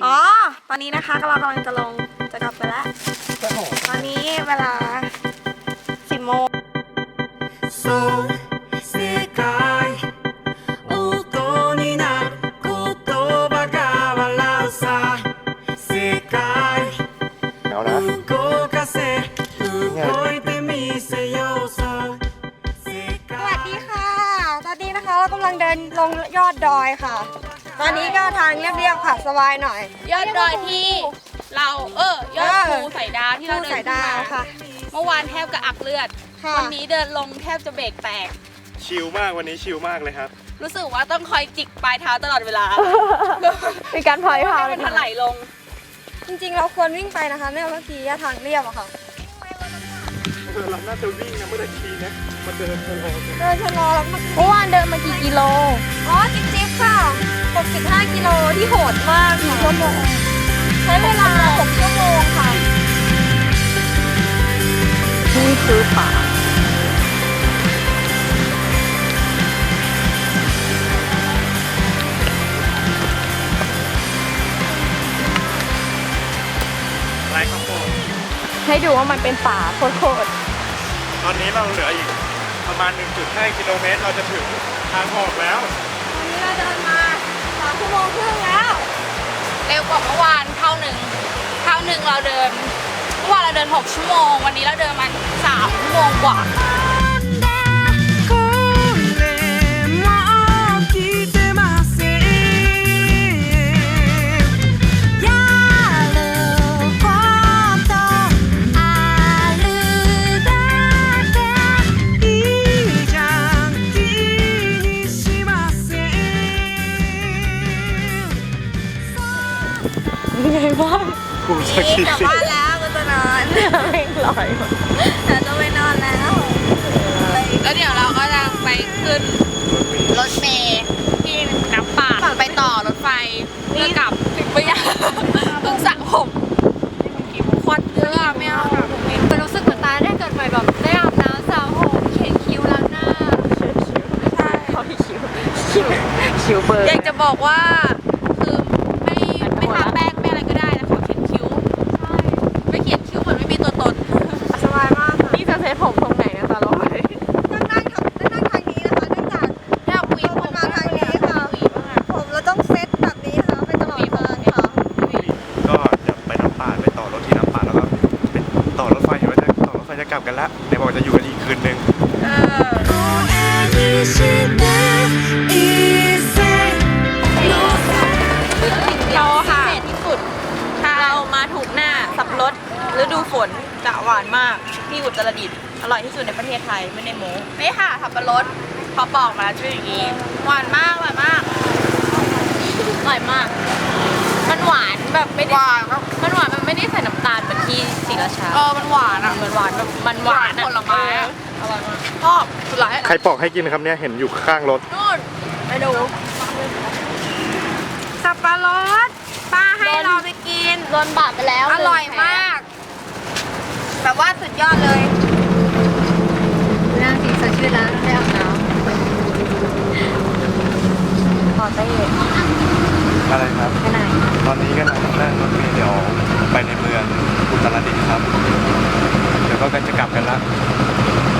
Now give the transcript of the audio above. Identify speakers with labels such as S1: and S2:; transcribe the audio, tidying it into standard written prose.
S1: อ๋อตอนนี้นะคะเรากำลังจะกลับไปแล้วตอนนี้เวลา10 โมง
S2: 世界音になる言葉が笑うさ世界動かせ動いてみせようさ
S1: สวัสดีค่ะตอนนี้นะคะเรากำลังเดินลงยอดดอยค่ะตอนนี้ก็ทางเรียบๆค่ะสบายหน่อย
S3: ยอดดอยที่เรายอดภูสายดาวที่เราเดินขึ้นมา
S1: ค่ะ
S3: เมื่อวานแทบกระอักเลือด
S1: ค่ะ
S3: วันนี้เดินลงแทบจะเบรกแตก
S4: ชิลมากวันนี้ชิลมากเลยครับ
S3: รู้สึกว่าต้องคอยจิกปลายเท้าตลอดเวลา
S1: มีการพลอยพา
S3: มันถลายลง
S1: จริงๆเราควรวิ่งไปนะคะเนื่องเมื่อกี้ทางเรียบอะค่ะ
S4: เราน่าจะวิ่งนะไม่ได้ขี่นะมาเดินชะลอกัน
S1: เดินชะลอแล้ว
S3: เมื่อวานเดินมากี่กิโล
S1: อ๋อจิ๊บๆค่ะ65 กิโลที่โหดมากค่ะชั่วโมงใช้เวลา6 ชั่วโมงค่ะ
S3: นี่คือป่า
S4: ไรครับผม
S3: ให้ดูว่ามันเป็นป่าโคตร
S4: ตอนนี้เราเหลืออีกประมาณ 1.5 กิโลเมตรเราจะถึงทางออกแล้ว
S1: วันนี้เราเดินมา3 ชั่วโมงครึ่งแล้ว
S3: เร็วกว่าเมื่อวานเท่าหนึ่งเราเดินเมื่อวานเราเดิน6 ชั่วโมงวันนี้เราเดินมา3 ชั่วโมงกว่า
S2: これも聞いてませんやることあるだけいいじゃん気にしません
S4: กูจะขี่
S1: กลับบ้านแล้วก็จะนอนไม่ลอยเราจะไปนอนแล้ว
S3: แล้วเดี๋ยวเราก็จะไปขึ้นรถเมล์ที่น้ำป่าไปต่อรถไฟเพื่อกลับไปยังเพิ่งสระผมควันเยอะอะไม่เอา
S1: มันรู้สึกเหมือนตายได้เกิดใหม่แบบได้อาบน้ำสระผมเขียนคิ้วล้างหน้าไม่ใช่เขาที่คิ้วเบอร์
S3: อยากจะบอกว่าคือไม่ทาแป้งไม่อะไรก็ได้นะขอเขียนคิ้วไม่เขียนคิ้วเหมือนไม่มีตัวตน
S1: สบายมากค่ะ
S3: นี่จะเซ็ตผมตรงไหนนะตาลอย
S1: นั่งทางนี้นะคะเนื่องจาก
S3: อยากหวีผม
S1: มาทางนี้ค่ะผมเราต้องเซตแบบนี้ค่ะไปตลอดทางค่ะ
S4: ก็จะไปน้ำป่าไปต่อรถที่น้ำป่าแล้วก็เป็นต่อรถไฟเห็นว่าจะต่อรถไฟจะกลับกันแล้วในบอกจะอยู่กันอีกคืนนึง
S2: 声にして一斉
S3: เราค่ะที่สุดเรามาถูกหน้าสับปะรดฤดูฝนจะหวานมากที่อุตรดิตถ์อร่อยที่สุดในประเทศไทยไม่ได้โม้นี่ค่ะสับปะรดพอปอกมาแล้วจะเป็นอย่างนี้หวานมากอร่อยมากอร่อยมาก มันหวานแบบไม่ได้มันหวานมันไม่ได้ใส่น้ำตาลเหมือนที่ศรีราชามันหวานอ่ะมันหวานแบบมันหวานผลไม้อร่อยมากชอบสุดหลาย
S4: ใครปอกให้กินครับเนี่ยเห็นอยู่ข้างรถ
S3: นู่นไปดู
S1: สับปะรดป้าให้เราไปกิน
S3: โดนบาดไปแล้ว
S1: อร่อยมาก แบบว่าสุดยอดเลยนั่งสีสดชื่นแล้วได้อาบน้ำพอเต้
S4: อะไรครับ
S1: ไปไหน
S4: ตอนนี้ก็นั่งรถเมล์เดี๋ยวไปในเมืองอุตรดิตถ์ครับเดี๋ยวก็จะกลับกันละ